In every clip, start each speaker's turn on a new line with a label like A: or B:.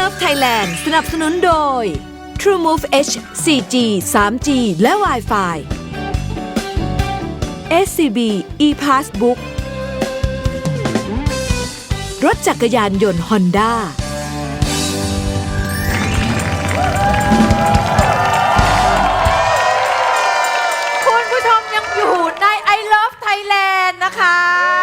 A: Love Thailand สนับสนุนโดย TrueMove H 4G 3G และ Wi-Fi SCB ePassbook รถจักรยานยนต์ Honda
B: คุณผู้ชมยังอยู่ใน I Love Thailand นะคะ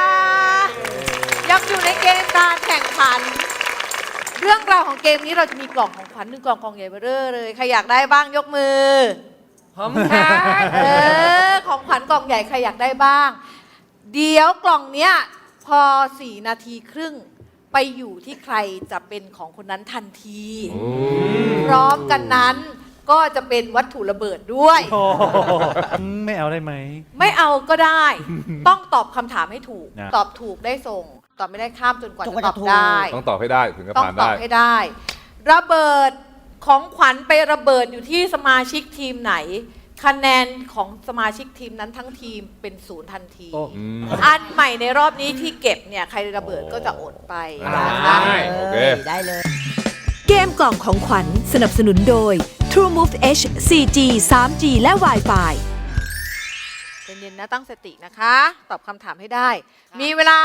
B: ยังอยู่ในเกมการแข่งขันเรื่องราวของเกมนี้เราจะมีกล่องของขวัญ1กล่องใหญ่เบ้อเร่อเลยใครอยากได้บ้างยกมือของขวัญกล่องใหญ่ใครอยากได้บ้างเดี๋ยวกล่องเนี้ยพอ4 นาทีครึ่งไปอยู่ที่ใครจะเป็นของคนนั้นทันทีพร้อมกันนั้นก็จะเป็นวัตถุระเบิดด้วย
C: ไม่เอาได้ไหม
B: ไม่เอาก็ได้ ต้องตอบคำถามให้ถูก
C: นะ
B: ตอบถูกได้ส่ง ตอบไม่ได้ข้ามจนกว่าจะตอบ
D: ถูก
B: ได้
E: ต้องตอบให้ได้ถึงจะ
B: ต้อง
E: ผ่าน
B: ตอ
E: ได้
B: บให้ได้ ระเบิดของขวัญไประเบิดอยู่ที่สมาชิกทีมไหน คะแนนของสมาชิกทีมนั้นทั้งทีมเป็น0ทันที อันใหม่ในรอบนี้ที่เก็บเนี่ยใครระเบิดก็จะอดไปนะคะ
E: โอเค
D: ได้เลย
A: เกมกล่องของขวัญสนับสนุนโดย TrueMove H 4G 3G และ Wi-Fi
B: เย็นๆนะตั้งสตินะคะ ตอบคำถามให้ได้ มีเวลา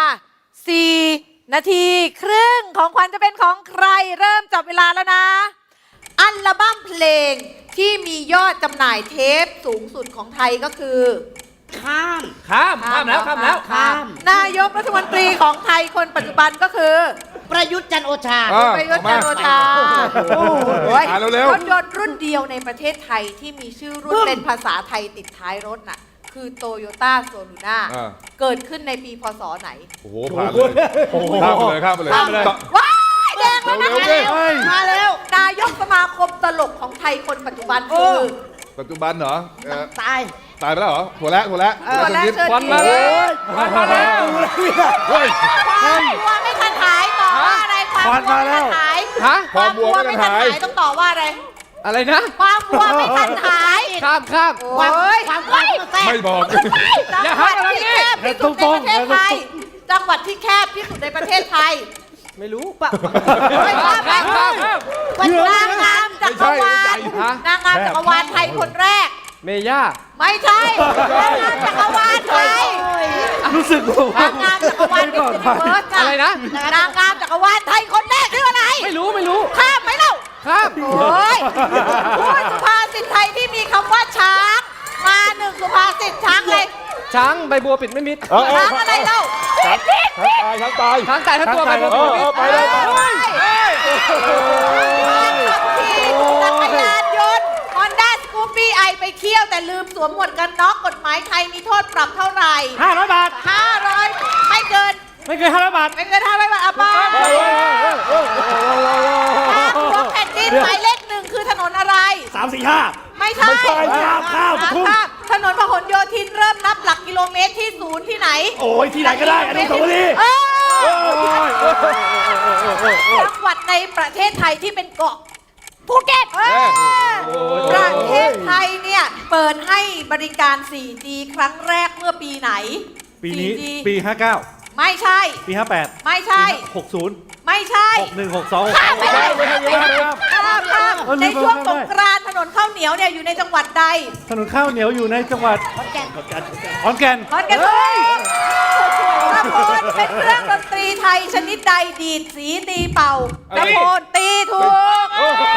B: 4 นาทีครึ่งของขวัญจะเป็นของใครเริ่มจับเวลาแล้วนะ อัลบั้มเพลงที่มียอดจำหน่ายเทปสูงสุดของไทยก็คือ
D: ข้าม
B: ข้ามแล้วนายกรัฐมนตรีของไทยคนปัจจุบันก็คือ
D: ประยุทธ์จันทร์โอชา
B: ประยุทธ์จันทร์โอชาโอ้ย
E: อ่านเร็วๆ
B: รถยนต์รุ่นเดียวในประเทศไทยที่มีชื่อรุ่นเป็นภาษาไทยติดท้ายรถน่ะคือโตโยต้าโซลูน่าเกิดขึ้นในปีพศไหน
E: โอ้โหผ่านเลยข้ามไปเลยข้ามไปเลย
B: ว้ายแดงแล้วนะ
E: เร็วๆ
B: มาแล้วนายกสมาคมตลกของไทยคนปัจจุบันคือ
E: ปัจจุบันเหรอ
D: ตาย
E: ตายไปแล้วเหรอถั่วแล้ว
B: ตัวแรก
E: ยิ้ม
B: ควันมาแล้ว
E: เฮ้ย
B: ความวัวไม่ทันหายต่อว่าอะไรความวัวไม่ทันหาย
E: ฮะความวัวไม่ทันหาย
B: ต้องต่อว่าอะไร
F: อะไรนะ
B: ความวัวไม่ทันหาย
F: ข้าม
B: โอ้ย
D: ความความแทรก
E: ไม่บอก
B: จังหวัดที่แคบที่สุดในประเทศไทยจังหวัดที่แคบที่สุดในประเทศไทย
F: ไม่รู้
B: ข้ามวันนางงามจักรวาลนางงามจักรวาลไทยคนแรก
F: เมย่า
B: ไม่ใช่นางงามจักรวาลไทย
C: รู้สึกว่าน
B: างงามจักรวาลมิสยูนิเวิร์ส
F: อะไรนะ
B: นางงามจักรวาลไทยคนแรกชื่ออะไร
F: ไม่รู้
B: ข้ามไหมเล่า
F: ข้าม
B: โอ้ยพูดสุภาษิตไทยที่มีคำว่าช้าง มาหนึ่งสุภาษิตช้างเลย
F: ช้างใบบัวปิดไม่มิด
B: ช้างอะไรเล่า
E: ช้างตาย
F: ช้างตายทั้งตัวใบบัวปิดไม่มิด
E: ไปเลย
B: จักรยานยนต์ Honda Scoopy i ไปเที่ยวแต่ลืมสวมหมวกกันน็อกกฎหมายไทยมีโทษปรับเท่าไหร่
C: 500 บาท
B: 500ไม่เกิน
C: ไม่เกิน500 บาท
B: ไม่เกิน500บาทอ่ะป้าหัวแผ่นดินหมายเลข1คือถนนอะไร
C: 3 4 5
B: ไม่ใช่
C: ข้ามทุ่ง
B: ถนนพหลโยธินเริ่มนับหลักกิโลเมตรที่ศูนย์ที่ไหน
C: โอ้ยที่ไหนก็ได้อนุสาวรีย์
B: จังหวัดในประเทศไทยที่เป็นเกาะภูเก็ตประเทศไทยเนี่ยเปิดให้บริการ 4G ครั้งแรกเมื่อปีไหน
C: ปีนี้
B: 4G
C: ปี 59
B: ไม่ใช่
C: ปี 58
B: ไม่ใช่
C: 60
B: ไม่ใช่
C: 61 62
B: ข้ามไปเลย ข้ามในช่วงสงกรานต์ถนนข้าวเหนียวเนี่ยอยู่ในจังหวัดใด
C: ถนนข้าวเหนียวอยู่ในจังหวัดขอนแก่นขอนแก่น
B: ขอนแก่นตะโพนเป็นเครื่องดนตรีไทยชนิดใดดีดสีตีเป่าตะโพนตีถูก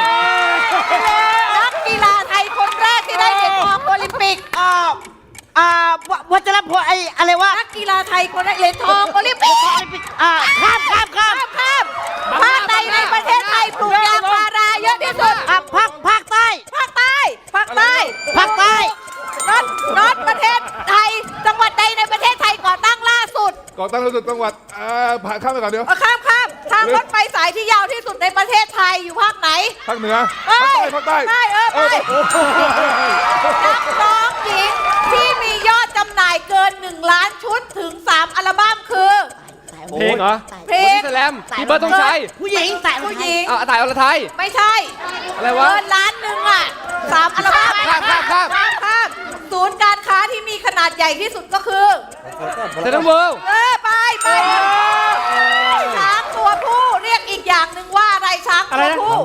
B: นักกีฬาไทยคนแรกที่ได้เหรียญทองโอลิมปิก
D: วัชรพลไอ้อะไรวะ
B: นักกีฬาไทยคนแรกเหรียญทองโอลิมปิก
D: ข้าม
B: ข้ามภาคใดในประเทศไทยปลูกยางพาราเยอะที่สุด
D: ภาคใต้
B: ภาคใต้ภาคใต้
D: ภาคใต้
B: น็อตประเทศไทย จังหวัดใดในประเทศไทยก่อตั้งล่าสุด
E: ก่อตั้งรู้สึกจังหวัดผ่านข้ามไปก่อนเดี๋ยว
B: ข้ามทางรถไฟสายที่ยาวที่สุดในประเทศไทยอยู่ภาคไหน
E: ภาคเหนือ
B: ภาคใต้
E: ภาคใต้
B: ไปนักร้องหญิงที่มียอดจำหน่ายเกิน1 ล้านชุดถึง3อัลบั้มคือ
F: เพลงเหรอ
B: เพลง
F: แสลมพี่เบิร์ดต้องใช้
D: ผู้หญิงแต่
B: ผู้หญิง
F: ตายอรไทย
B: ไม่ใช่
F: อะไรวะ
B: เกินล้านหนึ่งอ่ะ3อัลบั้ม
F: ข้าม
B: ศูนย์การค้าที่มีขนาดใหญ่ที่สุดก็คือ
F: เซนต์เวิลด์
B: ไปช้างตัวผู้เรียกอีกอย่างหนึ่งว่าอะไรช้างตัวผู้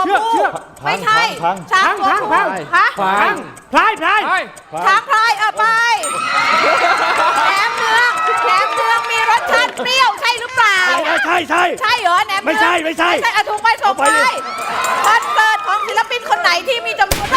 B: ผู้ไม่ใช่ช้างตัวผู้ฮะ
C: พังพลายพลาย
F: ไป
B: ช้างพลายไปแหนมเนืองมีรสชาติเปรี้ยวใช่หรือเปล่า
C: ใช่ใช่
B: ใช่เหรอแหนมเนือง
C: ไม่ใช่ไม่ใช่
B: อะถูกไปถูกไปคอนเสิร์ตของศิลปินคนไหนที่มีจำนวน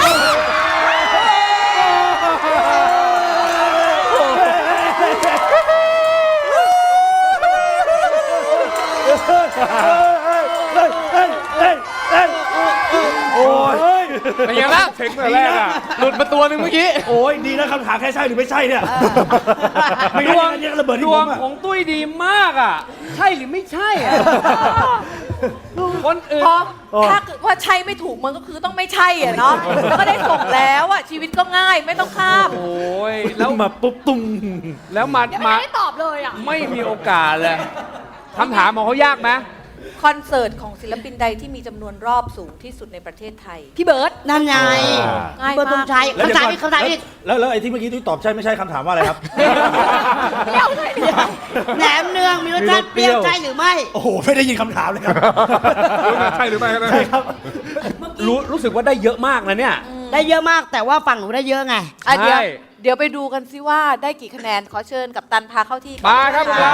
C: โอ้ย
F: เป็นยังไงบ้าง
E: เช็คแต่แรกอ่ะ
F: หลุดมาตัวหนึ่งเมื่อกี้
C: โอ้ยดีนะคำถามแค่ใช่หรือไม่ใช่เนี่ยไม่
F: ด
C: งั้น
F: วง
C: เนี่ยระเบิดที่
F: ด
C: ผ
F: วง
C: มอะ
F: ของตุ้ยดีมากอ่ะ ใช่หรือไม่ใช่อ่ะ คนอื่น
B: พอถ้าเกิดว่าใช่ไม่ถูกมันก็คือต้องไม่ใช่อ่ะเนาะแล้วก็ได้ส่งแล้วอ่ะชีวิตก็ง่ายไม่ต้องข้าม
F: โอ้ย แล้ว
C: มาปุ๊บตุ้ม
F: แล้วมา
B: ยังไม่ได้ตอบเลยอ่ะ
F: ไม่มีโอกาสเลยคำถามของเขายากไหม
B: คอนเสิร์ตของศิลปินใดที่มีจำนวนรอบสูงที่สุดในประเทศไทย พี่เบิร์ต
D: นั่นไง
B: ง่าย
D: เบอร์ตร
B: มาง ก
D: ชัย
C: แล้ว
D: คำถามอีกคำถามอีก
C: แล้วไอ้ที่เมื่อกี้ที่ตอบใช่ไม่ใช่คำถามว่าอะไรครับ
B: เดี๋ยวเลยเดี๋ยว
D: แหนมเนืองมีรสชาติเปรี้ยวใช่หรือไม่
C: โอ้โหไม่ได้ยินคำถามเลยครับ
E: ใช่หรือไม่นะ
C: ใช่ครับ
F: รู้สึกว่าได้เยอะมากนะเนี่ย
D: ได้เยอะมากแต่ว่าฝั่งหนูได้เยอะไง
B: อ่ะเดี๋ยว
F: ใช่
B: เดี๋ยวไปดูกันซิว่าได้กี่คะแนนขอเชิญกับตันพาเข้าที่
F: มาครับ
B: ะ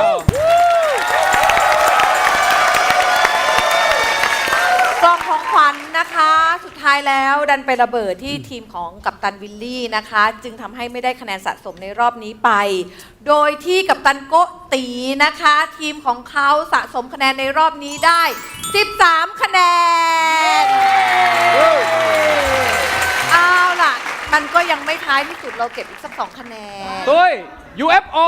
B: กล่องของขวัญนะคะ สุดท้ายแล้วดันไประเบิดที่ทีมของกัปตันวิลลี่นะคะ จึงทำให้ไม่ได้คะแนนสะสมในรอบนี้ไป โดยที่กัปตันโกตีนะคะ ทีมของเขาสะสมคะแนนในรอบนี้ได้ 13 คะแนน เอาล่ะ มันก็ยังไม่ท้ายที่สุดเราเก็บอีกสัก 2 คะแนน
F: ตุ้ย UFO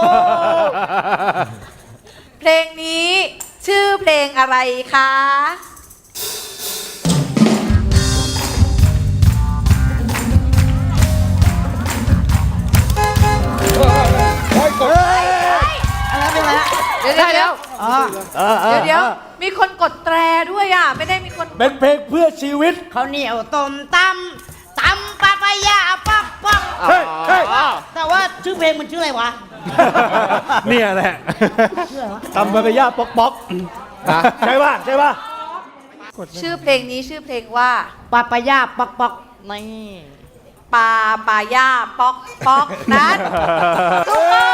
B: เพลงนี้ชื่อเพลงอะไรคะ
D: อะไรเป็นไรฮะ
B: เดี๋ยวเดี๋ยว
D: อ๋อ
B: เดี๋ยวมีคนกดแตรด้วยอ่ะ ไม่ได้มีคน
C: เป็นเพลงเพื่อชีวิต
D: ข้าวเหนียวต้มตำปะปะยาป๊อกป๊อก
C: เฮ้ยเฮ้ย
D: แต่ว่าชื่อเพลงมันชื่ออะไรวะ
C: เนี่ยแหละ
D: ชื่ออะไรวะ
C: ตำบะกะย่าป๊อกป๊อกใช่ป่ะใช่ป่ะ
B: ชื่อเพลงนี้ชื่อเพลงว่า
D: ปะปะยาป๊อกป๊อกนี่
B: ปาย่าป๊อกป๊อกนั้นถูกต้อง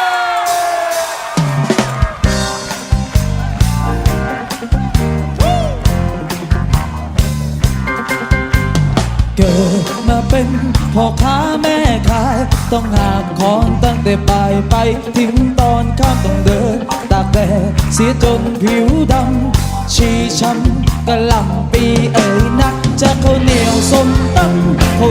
G: เกิดมาเป็นพ่อค้าแม่ขายต้องหาของตั้งแต่บ่ายไปถึงตอนค่ำต้องเดินตากแดดเสียจนผิวดำชีช้ำกะหล่ำปีเอ่ยนักจะข้าวเหนียวส้มตำข้าว